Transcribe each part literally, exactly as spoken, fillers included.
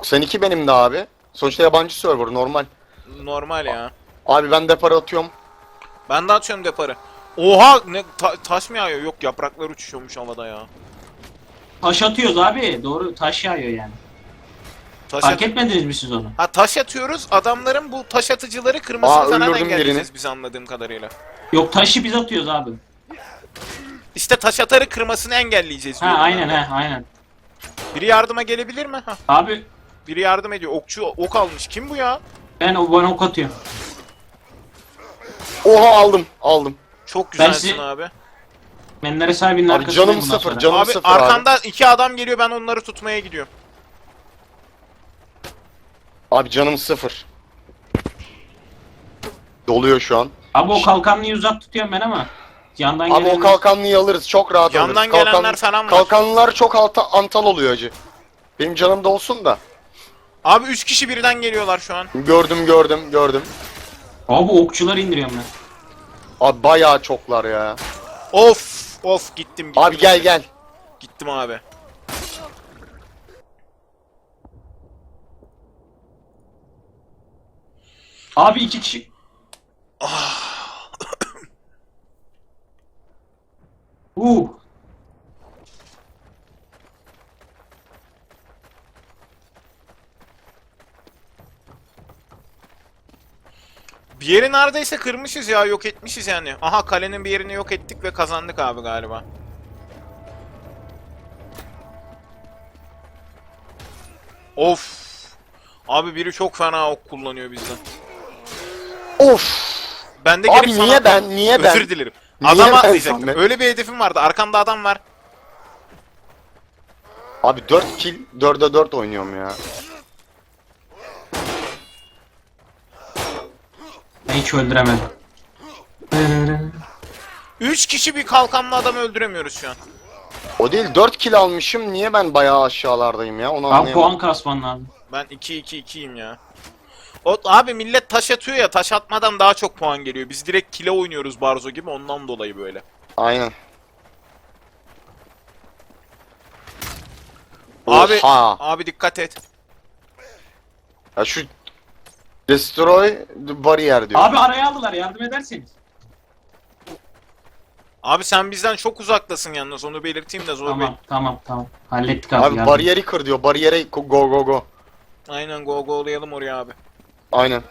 doksan iki benim de abi. Sonuçta yabancı server normal. Normal ya. Abi ben depara atıyorum. Ben de atıyorum deparı. Oha ne ta taş mı yağıyor? Yok, yapraklar uçuşuyormuş havada ya. Taş atıyoruz abi. Doğru, taş yağıyor yani. Taş Fark at- etmediniz mi siz onu? Ha, taş atıyoruz. Adamların bu taş atıcıları kırmasını Aa, falan öldürdüm engelleyeceğiz birini. biz anladığım kadarıyla. Yok, taşı biz atıyoruz abi. İşte taş atarı kırmasını engelleyeceğiz Ha diyorum aynen ben de. ha aynen. Biri yardıma gelebilir mi? Ha, Abi biri yardım ediyor. Okçu ok almış. Kim bu ya? ben o bana ok atıyorum. Oha aldım aldım. Çok Ben güzelsin sizi- abi. Menlere sahibinin Abi arkasındayım canım bundan sıfır, sonra. canım Abi sıfır abi. arkanda iki adam geliyor, ben onları tutmaya gidiyorum. Abi canım sıfır. Doluyor şu an. Abi o kalkanlıyı uzak tutuyorum ben ama. Yandan Abi o gelen kalkanlıyı alırız. Çok rahat Yandan alırız. Kalkan- gelenler falan var. Kalkanlılar çok alta, antal oluyor acı. Benim canım da olsun da. Abi üç kişi birden geliyorlar şu an. Gördüm gördüm gördüm. Abi okçuları indiriyorum ben. Abi bayağı çoklar ya. Of of gittim gittim. Abi gel gel. Gittim abi. Abi iki kişi. Uh. Bir yeri neredeyse kırmışız ya, yok etmişiz yani. Aha, kalenin bir yerini yok ettik ve kazandık abi galiba. Of. Abi biri çok fena ok kullanıyor bizden. Of. Ben de Abi gelip sana niye atladım. ben, niye ben? Özür dilerim. Niye Adam ben atlayacaktım. Samet? Öyle bir hedefim vardı. Arkamda adam var. Abi dört kill, dörde dört oynuyorum ya. Ben hiç öldüremedim. Üç kişi bir kalkanlı adamı öldüremiyoruz şu an. O değil, dört kill almışım. Niye ben bayağı aşağılardayım ya? Onu Abi anlayamadım. puan kasman lazım. Ben iki iki ikiyim ya. O, abi millet taş atıyor ya, taş atmadan daha çok puan geliyor. Biz direkt kile oynuyoruz Barzo gibi, ondan dolayı böyle. Aynen. Abi Oha. abi dikkat et. Ya şu destroy the barrier diyor. Abi araya aldılar, yardım ederseniz. Abi sen bizden çok uzaktasın yalnız, onu belirteyim de Zor Bey. Tamam tamam tamam. Hallettik abi, Abi yardım. bariyeri kır diyor. Bariyere go go go. Aynen, go go'layalım oraya abi. Aynen.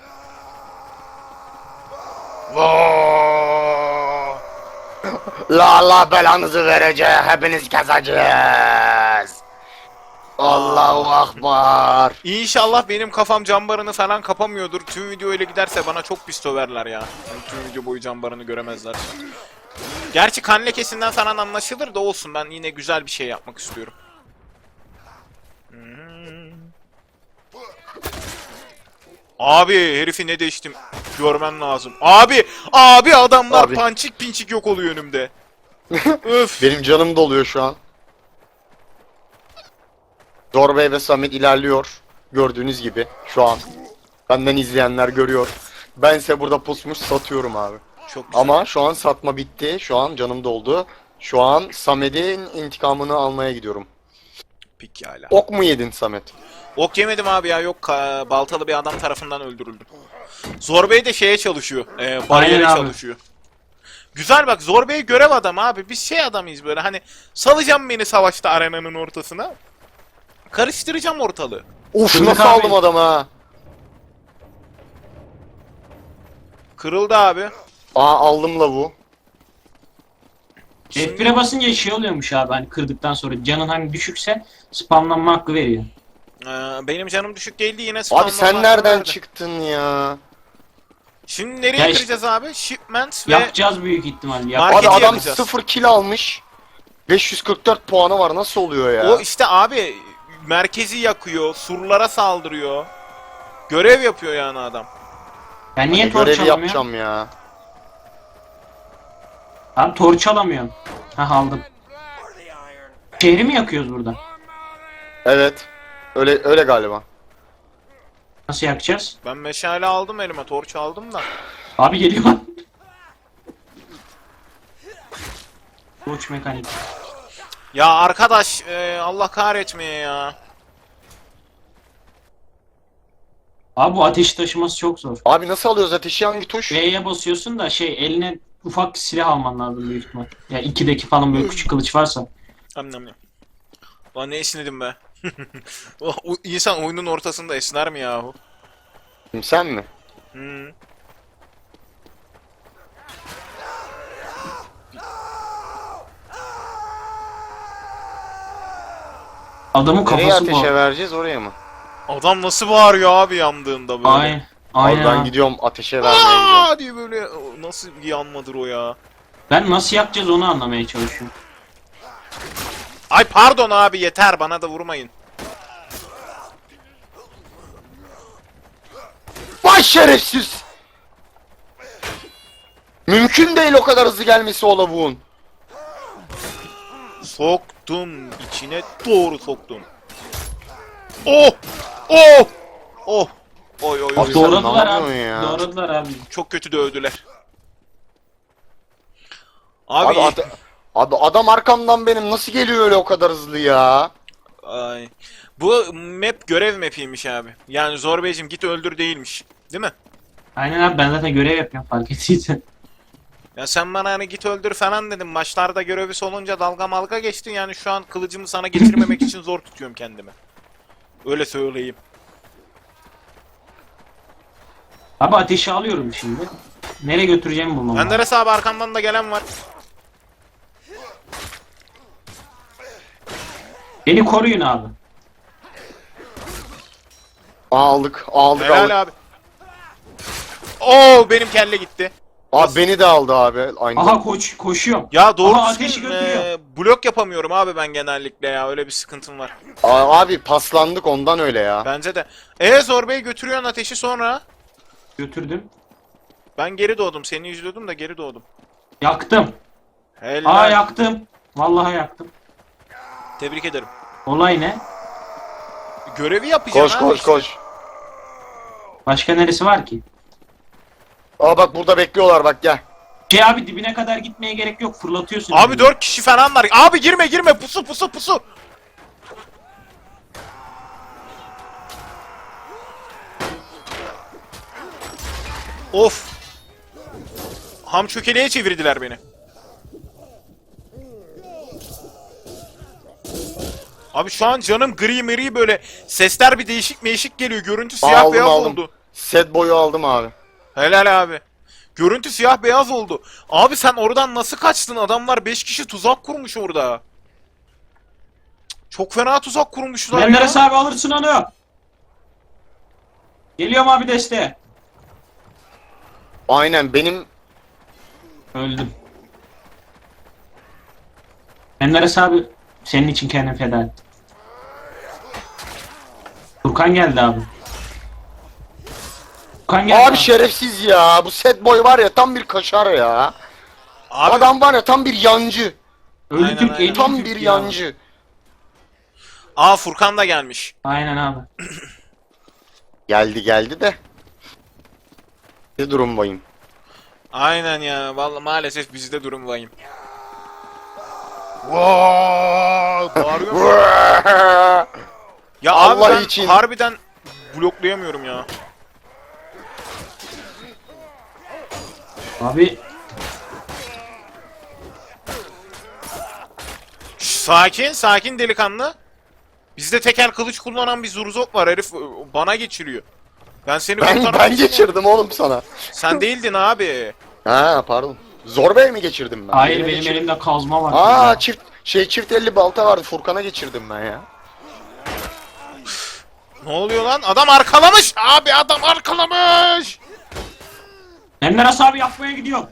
La Allah belanızı verecek. Hepiniz kazacağız. Allahu akbar. İnşallah benim kafam cambarını falan kapamıyordur. Tüm video öyle giderse bana çok pis söverler ya. Yani tüm video boyu cambarını göremezler. Gerçi kan lekesinden falan anlaşılır da olsun, ben yine güzel bir şey yapmak istiyorum. Hmm. Abi herifi ne değiştim görmen lazım. Abi abi adamlar Abi. pançik pinçik yok oluyor önümde. Öf. Benim canım doluyor şu an. Zorbey ve Samet ilerliyor. Gördüğünüz gibi şu an. Benden izleyenler görüyor. Bense burada pusmuş satıyorum abi. Çok güzel. Ama şu an satma bitti. Şu an canım doldu. Şu an Samet'in intikamını almaya gidiyorum. Pekala. Ok mu yedin Samet? Ok yemedim abi ya, yok ka- baltalı bir adam tarafından öldürüldüm. Zorbey de şeye çalışıyor. E, bariyere Aynen abi. çalışıyor. Güzel bak, Zorbey görev adamı abi. Biz şey adamıyız böyle, hani salacağım beni savaşta arenanın ortasına. Karıştıracağım ortalığı. Uf Kırdık nasıl abi. aldım adamı ha? Kırıldı abi. Aa aldım lavu. Şimdi- F bir'e basınca şey oluyormuş abi, hani kırdıktan sonra canın hani düşükse spamlanma hakkı veriyor. Ee, benim canım düşük değildi yine. Abi spamlama sen nereden vardı. çıktın ya? Şimdi nereye Ya işte- kıracağız abi? Shipment ve... Yapacağız büyük ihtimalle. Yap Market- Abi Paketi adam yapacağız. sıfır kill almış. beş yüz kırk dört puanı var, nasıl oluyor ya? O işte abi merkezi yakıyor, surlara saldırıyor. Görev yapıyor yani adam. Ben niye Hani torç görevi alamıyorum? yapacağım ya. Abi torç alamıyorum. Ha aldım. Şehri mi yakıyoruz burada? Evet. Öyle öyle galiba. Nasıl yakacağız? Ben meşale aldım elime, torç aldım da. Abi geliyor. Torç mekanik. Ya arkadaş, e, Allah kahretmeye ya. Abi bu ateşi taşıması çok zor. Abi nasıl alıyoruz ateşi, hangi tuş? V'ye basıyorsun da şey eline ufak silah alman lazım büyük ihtimal. Ya ikideki falan böyle küçük kılıç varsa. Am nam. Lan ne esnedim be. O- o- İnsan oyunun ortasında esner mi yahu? Sen mi? Hmm. Adamın Nereye kafası ateşe bu. vereceğiz, oraya mı? Adam nasıl bağırıyor abi yandığında böyle. Aynen. Aynen. Abi ben abi. gidiyorum ateşe vermeye gidiyorum. Aa diye böyle o nasıl bir yanmadır o ya. Ben nasıl yapacağız onu anlamaya çalışıyorum. Ay pardon abi yeter bana da vurmayın. Vay şerefsiz! Mümkün değil o kadar hızlı gelmesi o lavuğun. Soktum içine doğru soktum. Oh! Oh! Oh! Oy oy oy. Abi sen Doğradılar ne abi. yapıyorsun ya? Doğradılar abi. Çok kötü dövdüler. Abi, Abi, ate- abi adam arkamdan benim nasıl geliyor öyle o kadar hızlı ya? ay. Bu map görev mapiymiş abi. Yani Zor Beyciğim git öldür değilmiş. Değil mi? Aynen abi ben zaten görev yapıyorum fark ettiysen. Ya sen bana hani git öldür falan dedim. Maçlarda görevi olunca dalga malga geçtin. Yani şu an kılıcımı sana getirmemek için zor tutuyorum kendimi. Öyle söyleyeyim. Abi ateşi alıyorum şimdi. Nereye götüreceğimi bulmam lazım. Menderes abi arkamdan da gelen var. Beni koruyun abi. Aldık aldık aldık. Helal abi. Oo benim kelle gitti. Abi beni de aldı abi. Aynı. Aha koş koşuyorum. Ya doğru Aha, düzgün, ateşi götürüyor. e, blok yapamıyorum abi ben genellikle ya. Öyle bir sıkıntım var. Aa, abi paslandık ondan öyle ya. Bence de. E Zor Bey götürüyorsun ateşi sonra. Götürdüm. Ben geri doğdum. Seni izliyordum da geri doğdum. Yaktım. Helal. Aa yaktım. Vallahi yaktım. Tebrik ederim. Olay ne? Görevi yapacaksın Koş abi koş işte. koş. Başka neresi var ki? Aa bak burada bekliyorlar, bak gel. Şey abi dibine kadar gitmeye gerek yok. Fırlatıyorsun. Abi dört kişi falan var. Abi girme girme pusu pusu pusu. Of. Ham çökeleğe çevirdiler beni. Abi şu an canım gri meri böyle sesler bir değişik değişik geliyor. Görüntü siyah Aldım beyaz aldım. oldu. Set boyu aldım abi. Helal abi. Görüntü siyah beyaz oldu. Abi sen oradan nasıl kaçtın? Adamlar beş kişi tuzak kurmuş orada. Çok fena tuzak kurmuşlar ya. Menderes abi alırsın onu. Geliyorum abi desteğe. Aynen benim Öldüm. Menderes abi senin için kendini feda ettim. Furkan geldi abi. Furkan geldi abi şerefsiz ya. Bu set boy var ya tam bir kaşar ya. Abi, Adam var ya tam bir yancı. Ölü Aynen, Türk, aynen. eli Tam Türk bir ya. yancı. aa Furkan da gelmiş. Aynen abi. Geldi geldi de. Ne durumdayım? Aynen ya. Vallahi maalesef bizde durum vahim. Vaa! Bağırıyor mu? Ya Allah abi ben için. harbiden bloklayamıyorum ya. Abi Şş, sakin, sakin delikanlı. Bizde tekel kılıç kullanan bir zurzop var herif bana geçiriyor. Ben seni Ben kurtarmak ben istiyorum. geçirdim oğlum sana. Sen değildin abi. Ha pardon. Zor Bey mi geçirdim ben? hayır Birine benim geçirdim. elimde kazma var. Aa Ya. çift şey çift elli balta vardı, Furkan'a geçirdim ben ya. Ne oluyor lan? Adam arkalamış. Abi adam arkalamış. Menderes abi yapmaya gidiyorum.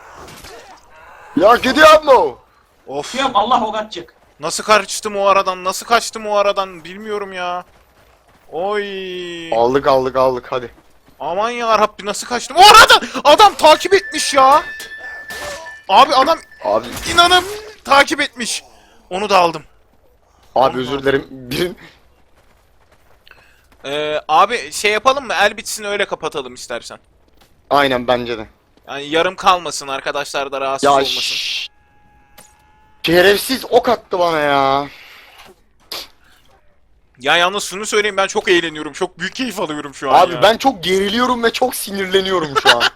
Ya gidiyor mu? Of. Gidiyorum Allah ok atacak. Nasıl kaçtım o aradan? Nasıl kaçtım o aradan? Bilmiyorum ya. Oy. Aldık aldık aldık hadi. Aman ya Rabbi nasıl kaçtım? O aradan adam takip etmiş ya. Abi adam Abi inanıp takip etmiş. Onu da aldım. abi özür dilerim. Bir Ee, abi şey yapalım mı? El bitsin öyle kapatalım istersen. aynen bence de. Yani yarım kalmasın arkadaşlar da rahatsız Ya olmasın. şşş. Şerefsiz ok attı bana ya. Ya yalnız şunu söyleyeyim, ben çok eğleniyorum. Çok büyük keyif alıyorum şu an Abi ya. ben çok geriliyorum ve çok sinirleniyorum şu an.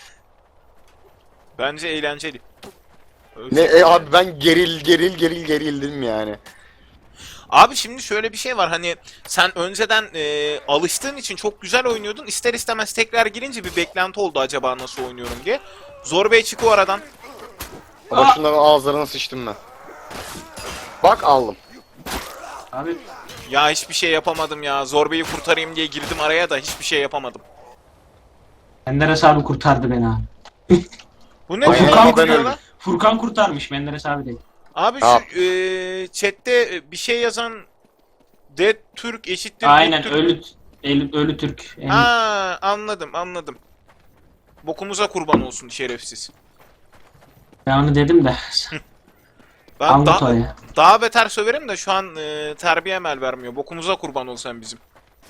Bence eğlenceli. Ne e, abi ben geril geril geril gerildim yani. Abi şimdi şöyle bir şey var, hani sen önceden e, alıştığın için çok güzel oynuyordun. İster istemez tekrar girince bir beklenti oldu, acaba nasıl oynuyorum diye. Zor Bey çık o aradan. Ama Aa! şunların ağızlarına sıçtım ben. Bak aldım. Abi Ya hiçbir şey yapamadım ya. Zor Bey'i kurtarayım diye girdim araya da hiçbir şey yapamadım. Menderes abi kurtardı beni abi. Bu ne O Aynen, diyor Furkan, lan? ben Diyor öldüm. lan? Furkan kurtarmış Menderes abi değil. Abi Ne yap- şu e, chatte bir şey yazan Dead Türk eşittir Aynen Dead Türk. ölü, ölü, ölü Türk. En- Ha, anladım anladım. Bokumuza kurban olsun şerefsiz. Ben onu dedim de. Ben Anlat daha, oraya. daha beter söverim de şu an e, terbiyem el vermiyor. Bokumuza kurban ol sen bizim.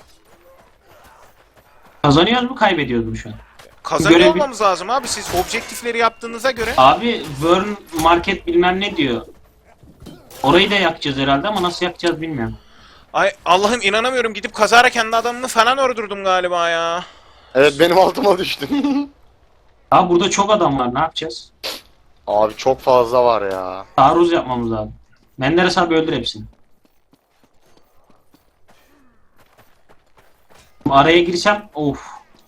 Kazanıyoruz mu kaybediyoruz mu şu an? Kazanıyor Görevi- olmamız lazım abi, siz objektifleri yaptığınıza göre. Abi Burn Market bilmem ne diyor. Orayı da yakacağız herhalde ama nasıl yakacağız bilmiyorum. Ay Allah'ım, inanamıyorum, gidip kazara kendi adamımı falan öldürdüm galiba ya. Evet benim altıma düştün. Abi burada çok adam var, ne yapacağız? Abi çok fazla var ya. Taarruz yapmamız lazım. Menderes abi öldür hepsini. Araya girsem of.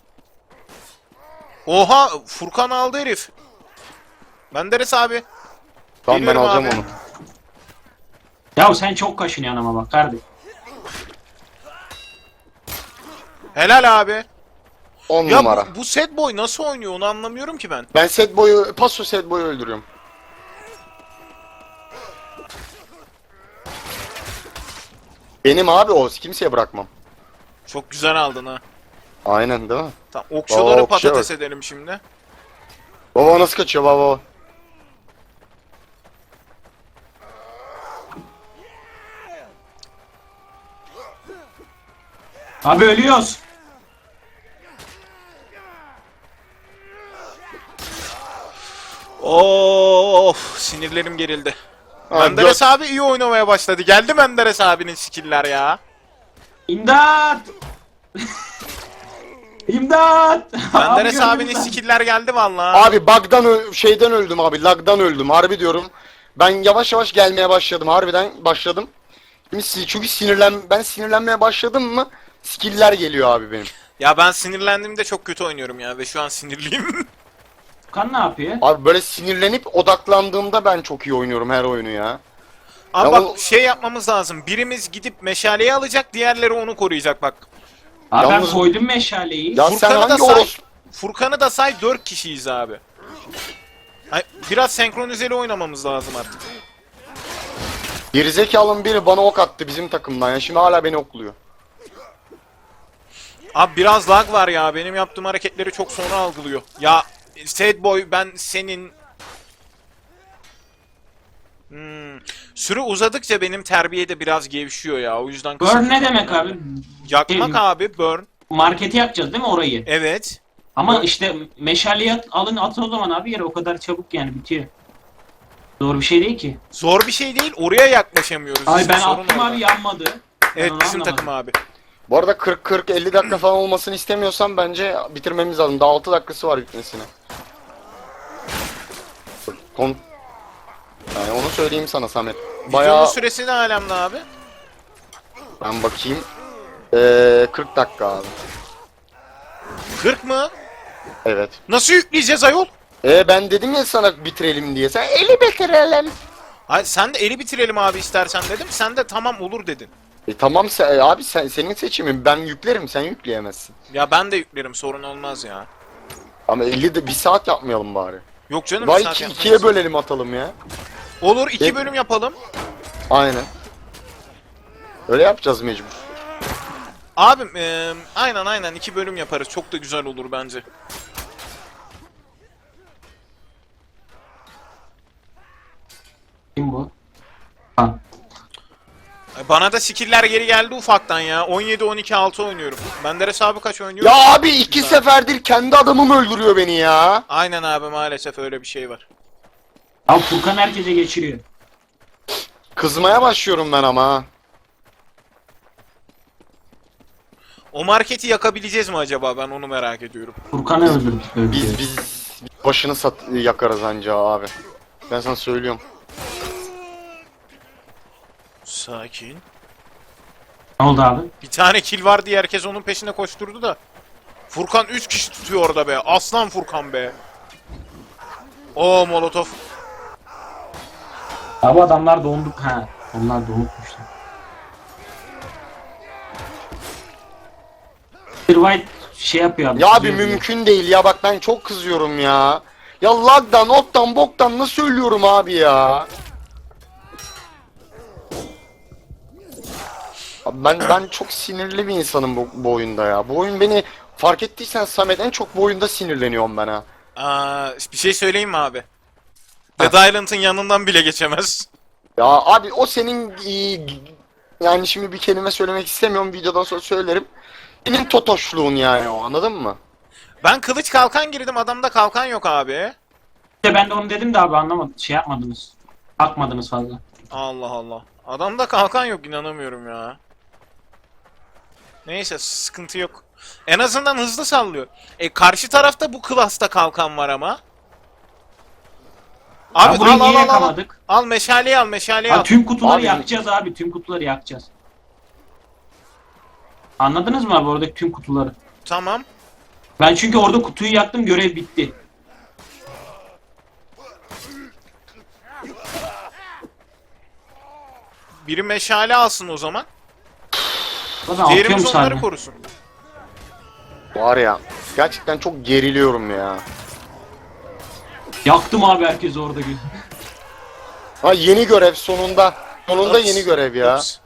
Oha, Furkan aldı herif. Menderes abi. Tamam ben Geliyorum alacağım abi. onu. Ya sen çok kaşınıyorsun ama bak kardeşim. Helal abi. on Ya numara. bu, bu set boy nasıl oynuyor onu anlamıyorum ki ben. Ben set boyu, paso set boyu öldürüyorum. Benim abi o, kimseye bırakmam. Çok güzel aldın ha. Aynen değil mi? Tamam, okçuları Aa, okçuya patates bak. edelim şimdi. Baba nasıl kaçıyor baba? Abi ölüyoruz. Of, sinirlerim gerildi. Abi, Menderes dört- abi iyi oynamaya başladı. Geldi Menderes abinin skill'ler ya. İmdat! İmdat! Menderes Abi abinin gördün mü? skill'ler geldi vallahi. Abi bug'dan ö- şeyden öldüm abi, lag'dan öldüm. Harbi diyorum. Ben yavaş yavaş gelmeye başladım. Harbiden başladım. Şimdi si- çünkü sinirlen ben sinirlenmeye başladım mı skill'ler geliyor abi benim. Ya ben sinirlendiğimde çok kötü oynuyorum ya ve şu an sinirliyim. Furkan ne yapıyor? Abi böyle sinirlenip odaklandığımda ben çok iyi oynuyorum her oyunu ya. Ama Ya bak o- şey yapmamız lazım. Birimiz gidip meşaleyi alacak, diğerleri onu koruyacak bak. Abi Yalnız- ben koydum meşaleyi. Ya sen Furkan'ı da hangi say. oros... Furkan'ı da say, dört kişiyiz abi. Ay, biraz senkronizeli oynamamız lazım artık. Gerizekalının biri bana ok attı bizim takımdan ya. Şimdi hala beni okluyor. Abi biraz lag var ya. Benim yaptığım hareketleri çok sonra algılıyor. Ya Sad Boy, ben senin... Hmm. Süre uzadıkça benim terbiye de biraz gevşiyor ya. O yüzden kısa- Burn ne demek abi? Yakmak Şey- abi, burn. Marketi yakacağız değil mi orayı? Evet. Ama işte meşaleyi at- alın atın o zaman abi yere o kadar çabuk yani bitiyor. Doğru bir şey değil ki. Zor bir şey değil. Oraya yaklaşamıyoruz. Ay İşte ben sorun attım orada. abi yanmadı. Evet, Ben bizim anlamadım. takım abi. Bu arada kırk kırk elli dakika falan olmasını istemiyorsan bence bitirmemiz lazım. Daha altı dakikası var bitmesine. Kon... Yani onu söyleyeyim sana Samet. Videonun Bayağı süresi ne alemde abi? ben bakayım. Ee, kırk dakika abi. kırk mı? Evet. Nasıl yükleyeceğiz ayol? Ee ben dedim ya sana bitirelim diye. Sen eli bitirelim. Hayır, sen de eli bitirelim abi istersen dedim. Sen de tamam olur dedin. E tamam sen, abi sen senin seçimin. Ben yüklerim, sen yükleyemezsin. Ya ben de yüklerim, sorun olmaz ya. Ama elli de bir saat yapmayalım bari. Yok canım, Vay bir saat iki, yapmayız. ikiye bölelim atalım ya. Olur, iki E- bölüm yapalım. Aynen. Öyle yapacağız mecbur. Abim eee, aynen aynen iki bölüm yaparız. Çok da güzel olur bence. Kim bu? Ha. Bana da skill'ler geri geldi ufaktan ya. on yedi on iki altı oynuyorum. Menderes abi kaç oynuyor? Ya abi iki seferdir kendi adamım öldürüyor beni ya. Aynen abi, maalesef öyle bir şey var. Abi Furkan herkese geçiriyor. Kızmaya başlıyorum ben ama ha. O marketi yakabileceğiz mi acaba? Ben onu merak ediyorum. Furkan'ı öldürdük. öldürdük. Biz biz başını sat yakarız anca abi. Ben sana söylüyorum. Sakin. Ne oldu abi? Bir tane kill var diye herkes onun peşine koşturdu da. Furkan üç kişi tutuyor orada be. Aslan Furkan be. Oo Molotov. Abi adamlar dondu. Ha, onlar donukmuşlar. Bir White şey yapıyor abi. Ya abi kızıyor diye. mümkün değil ya, bak ben çok kızıyorum ya. Ya lagdan, ottan, boktan nasıl ölüyorum abi ya? Abi ben ben çok sinirli bir insanım bu, bu oyunda ya. Bu oyun beni, fark ettiysen Samet, en çok bu oyunda sinirleniyorum ben ha. Aa, bir şey söyleyeyim mi abi? Dead Island'ın yanından bile geçemez. Ya abi o senin e, yani şimdi bir kelime söylemek istemiyorum, videodan sonra söylerim. Senin totoşluğun yani o, anladın mı? Ben kılıç kalkan girdim, adamda kalkan yok abi. İşte ben de onu dedim de abi anlamadım. Şey yapmadınız. Bakmadınız fazla. Allah Allah. Adamda kalkan yok, inanamıyorum ya. Neyse, sıkıntı yok. En azından hızlı sallıyor. E karşı tarafta bu klasta kalkan var ama. Abi Ya burayı al al niye al al. yakamadık? Al meşaleyi al meşaleyi Ha, al. tüm kutuları Abi- yakacağız abi. Tüm kutuları yakacağız. Anladınız mı abi oradaki tüm kutuları? Tamam. Ben çünkü orada kutuyu yaktım, görev bitti. Biri meşale alsın o zaman. Zaten atıyorum Diğerimiz onları sadece. korusun. Var ya, gerçekten çok geriliyorum ya. Yaktım abi herkes orada. Ha, yeni görev sonunda. Sonunda Ups, yeni görev ya. ups.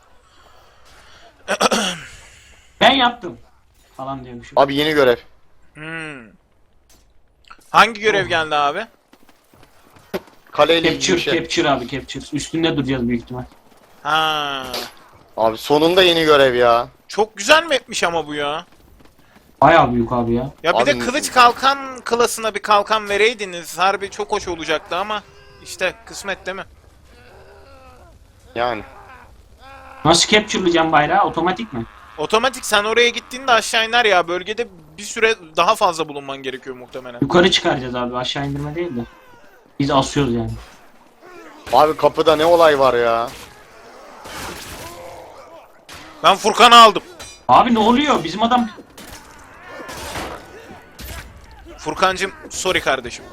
Ben yaptım. Falan diyormuşum. Abi yeni görev. Hmm. Hangi görev Oh. geldi abi? Kaleyle ilgili Capture, bir şey. capture abi capture. Üstünde duracağız büyük ihtimal. Ha. Abi sonunda yeni görev ya. Çok güzel mapmiş ama bu ya. Bayağı büyük abi ya. Ya bir de Abi- kılıç kalkan klasına bir kalkan vereydiniz. Harbi çok hoş olacaktı ama işte kısmet değil mi? Yani. Nasıl capture'layacağım bayrağı? Otomatik mi? Otomatik, sen oraya gittiğinde aşağı iner ya. Bölgede bir süre daha fazla bulunman gerekiyor muhtemelen. Yukarı çıkaracağız abi. Aşağı indirme değil de. Biz asıyoruz yani. Abi kapıda ne olay var ya. Ben Furkan'ı aldım. Abi ne oluyor? Bizim adam... Furkancım sorry kardeşim.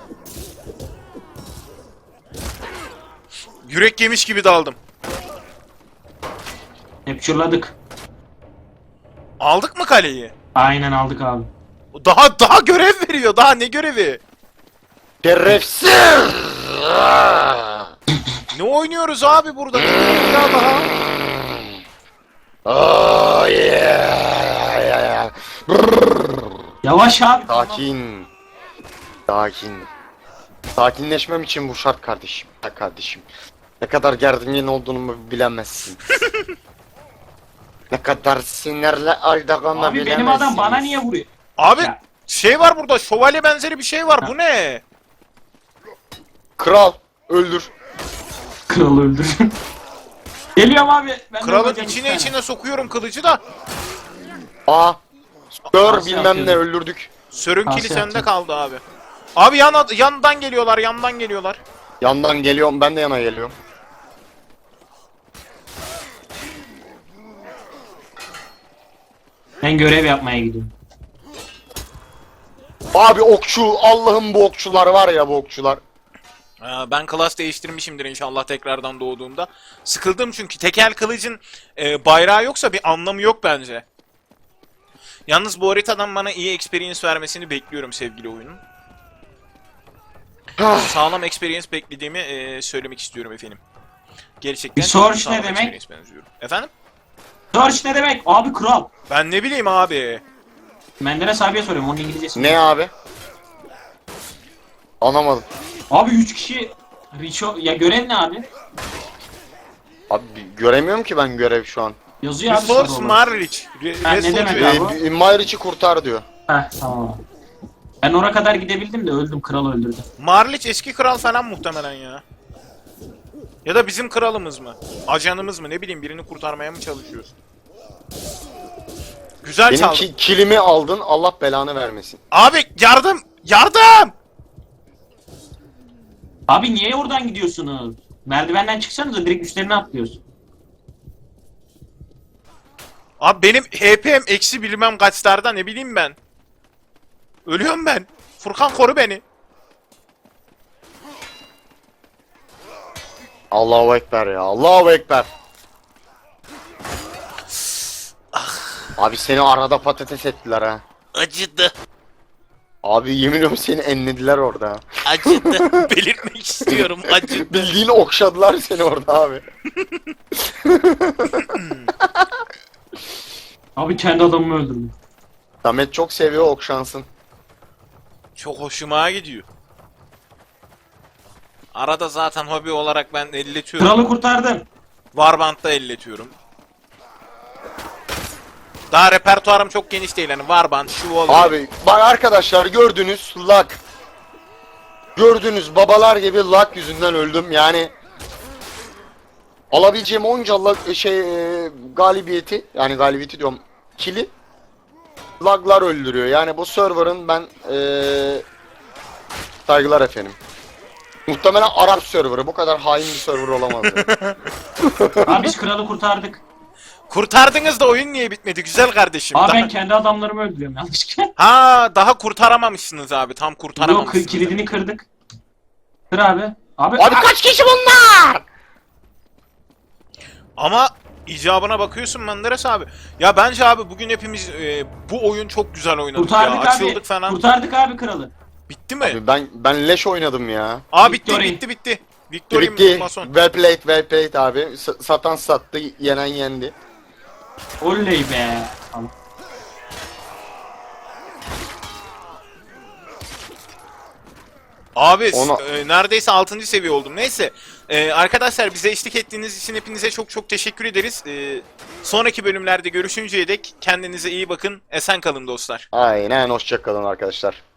Yürek yemiş gibi daldım. Capture'ladık. Aldık mı kaleyi? Aynen aldık abi. Daha daha görev veriyor. Daha ne görevi? Şerefsiz! Ne oynuyoruz abi burada? Bir daha daha. Oh yeah! Yavaş abi. Sakin. Sakin. Sakinleşmem için bu şart kardeşim. Ha kardeşim. Ne kadar gergin olduğumu bilemezsin. Ne kadar sinirli olduğumu Abi bilemezsin. benim adam bana niye vuruyor? Abi Ya. şey var burada. Şövalye benzeri bir şey var. Bu ne? Kral öldür. Kralı öldür. Geliyorum abi. Ben de Kralın vuracağım içine bir tane. içine sokuyorum kılıcı da. Aa. Gör Nasıl bilmem ne yapıyordun? öldürdük. Sörünkili Nasıl sende yaptın? kaldı abi. Abi yan, yandan geliyorlar, yandan geliyorlar. Yandan geliyorum, ben de yana geliyorum. Ben görev yapmaya gidiyorum. Abi okçu, Allah'ım bu okçular var ya, bu okçular. Ee, ben klas değiştirmişimdir inşallah tekrardan doğduğumda. Sıkıldım çünkü tekel kılıcın e, bayrağı yoksa bir anlamı yok bence. Yalnız bu haritadan bana iyi experience vermesini bekliyorum sevgili oyunun. Sağlam experience beklediğimi e, söylemek istiyorum efendim. Gerçekten Bir search sağlam ne demek? experience benziyorum. Efendim? Search ne demek? Abi kral. Ben ne bileyim abi. Menderes abiye soruyorum. Onun İngilizcesi. Ne abi? Anlamadım. Abi üç kişi Richo... Ya görev ne abi? Abi göremiyorum ki ben görev şu an. Yazıyor abi. Resource sarı olan. Marlich. Re- Ha, ne Resource- demek Ee, abi? bir- Mayriç'i kurtar diyor. Heh tamam abi. Ben oraya kadar gidebildim de öldüm. Kral öldürdü. Marlich eski kral falan muhtemelen ya. Ya da bizim kralımız mı? Ajanımız mı? Ne bileyim, birini kurtarmaya mı çalışıyoruz? Güzel Benim çaldın. ki, kilimi aldın, Allah belanı vermesin. Abi yardım! Yardım! Abi niye oradan gidiyorsunuz? Merdivenden çıksanıza direkt üstlerine atlıyorsun. Abi benim H P'm eksi bilmem kaçlarda, ne bileyim ben. Ölüyorum ben. Furkan koru beni. Allahu Ekber ya, Allahu Ekber. Abi seni arada patates ettiler ha. Acıdı. Abi yemin ediyorum seni enlediler orada. Acıdı. Belirtmek istiyorum. Acıdı. Bildiğin okşadılar seni orada abi. Abi kendi adamımı öldürdüm. Samet çok seviyor okşansın. Çok hoşuma gidiyor. Arada zaten hobi olarak ben elletiyorum. Kralı kurtardım. Warband'da elletiyorum. Daha repertuarım çok geniş değil, hani Warband, Chivalry. Abi bak arkadaşlar, gördünüz lag. Gördünüz babalar gibi lag yüzünden öldüm yani. Alabileceğim onca lag, şey e, galibiyeti, yani galibiyeti diyorum, kili laglar öldürüyor. Yani bu server'ın ben e, saygılar efendim. Muhtemelen Arap serverı, bu kadar hain bir server olamaz. Yani. Abi biz kralı kurtardık. Kurtardınız da oyun niye bitmedi güzel kardeşim? Abi Daha- ben kendi adamlarımı öldürüyorum yanlışlıkla. Ha, daha kurtaramamışsınız abi, tam Yok kurtaramamışsınız. kilidini kırdık. Kır abi. Abi, Abi kaç kişi bunlar? Ama icabına bakıyorsun Menderes abi. Ya bence abi bugün hepimiz e, bu oyun çok güzel oynadık kurtardık ya. abi. Açıldık falan. Kurtardık abi kralı. Bitti mi? Abi ben ben leş oynadım ya. Aa bitti Victory. bitti bitti. Victory Bitti. Mason. Well played, well played abi. S- satan sattı, yenen yendi. Oley be. Tamam. Abi Ona- e, neredeyse altıncı seviye oldum. Neyse. E, arkadaşlar bize eşlik ettiğiniz için hepinize çok çok teşekkür ederiz. E, sonraki bölümlerde görüşünceye dek kendinize iyi bakın. Esen kalın dostlar. Aynen, hoşça kalın arkadaşlar.